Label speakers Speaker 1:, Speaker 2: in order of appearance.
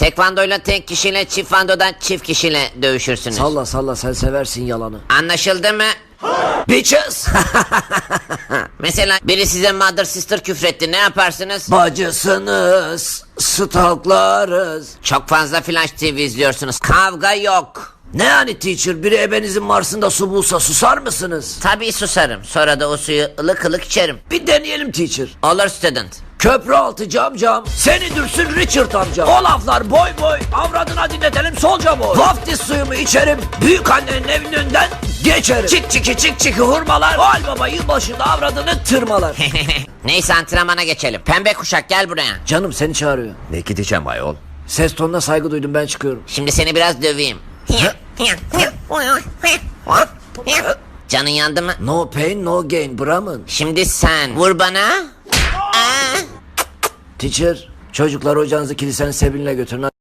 Speaker 1: Tekvandoyla tek kişiyle, çift vandodan çift kişiyle dövüşürsünüz.
Speaker 2: Salla salla, sen seversin yalanı.
Speaker 1: Anlaşıldı mı?
Speaker 2: Bitches.
Speaker 1: Mesela biri size mother sister küfretti, ne yaparsınız?
Speaker 2: Bacısınız, stalklarız.
Speaker 1: Çok fazla Flash TV izliyorsunuz. Kavga yok.
Speaker 2: Ne yani teacher, biri ebenizin Mars'ında su bulsa susar mısınız?
Speaker 1: Tabii susarım. Sonra da o suyu ılık ılık içerim.
Speaker 2: Bir deneyelim teacher.
Speaker 1: Olur student.
Speaker 2: Köprü altı cam. Seni dürsün Richard amca. O laflar boy boy. Avradına dinletelim solca boy. Vaftiz suyumu içerim. Büyük annenin evinin önünden geçerim. Çık çiki hurmalar. Noel Baba yılbaşında avradını tırmalar.
Speaker 1: Neyse antrenmana geçelim. Pembe kuşak gel buraya.
Speaker 2: Canım seni çağırıyor.
Speaker 3: Ne gideceğim ayol?
Speaker 2: Ses tonuna saygı duydum, ben çıkıyorum.
Speaker 1: Şimdi seni biraz döveyim. Canın yandı mı?
Speaker 2: No pain no gain Brahman.
Speaker 1: Şimdi sen vur bana. Aa!
Speaker 2: Teacher, çocuklar hocanızı kilisenin sebinine götürün.